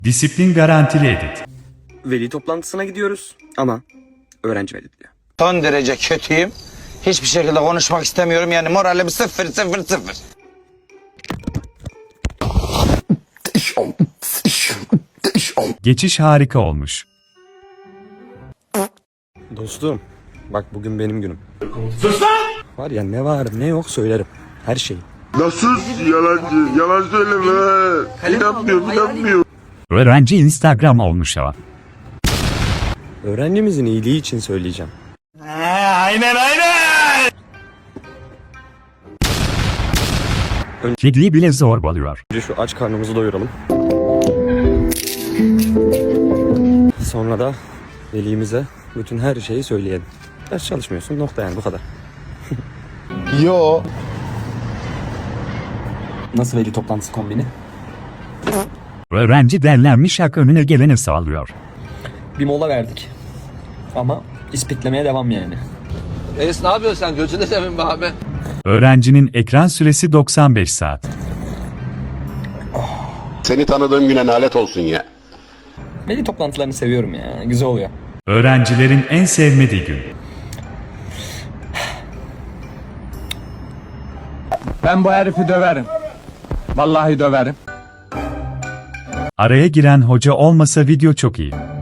Disiplin garantili edit. Veli toplantısına gidiyoruz ama öğrenci veli diyor. Son derece kötüyüm. Hiçbir şekilde konuşmak istemiyorum. Yani moralim sıfır sıfır sıfır. Geçiş harika olmuş. Dostum bak bugün benim günüm. Sus lan! Var ya ne var ne yok söylerim. Her şeyi. Nasıl yalancı? Yalan söyleme. İnanmıyorum. Öğrenci Instagram olmuş ama. Öğrencimizin iyiliği için söyleyeceğim. Kediyi bile zorbalıyor. Önce şu aç karnımızı doyuralım. Sonra da velimize bütün her şeyi söyleyelim. Ders çalışmıyorsun nokta yani bu kadar. Yo. Nasıl veli toplantısı kombini? Öğrenci derlenmiş hak önüne geleni sağlıyor. Bir mola verdik. Ama ispitlemeye devam yani. Reis ne yapıyorsun sen? Gözünü seveyim be abi. Öğrencinin ekran süresi 95 saat. Seni tanıdığım güne lanet olsun ya. Veli toplantılarını seviyorum ya. Güzel oluyor. Öğrencilerin en sevmediği gün. Ben bu herifi döverim. Vallahi döverim. Araya giren hoca olmasa video çok iyi.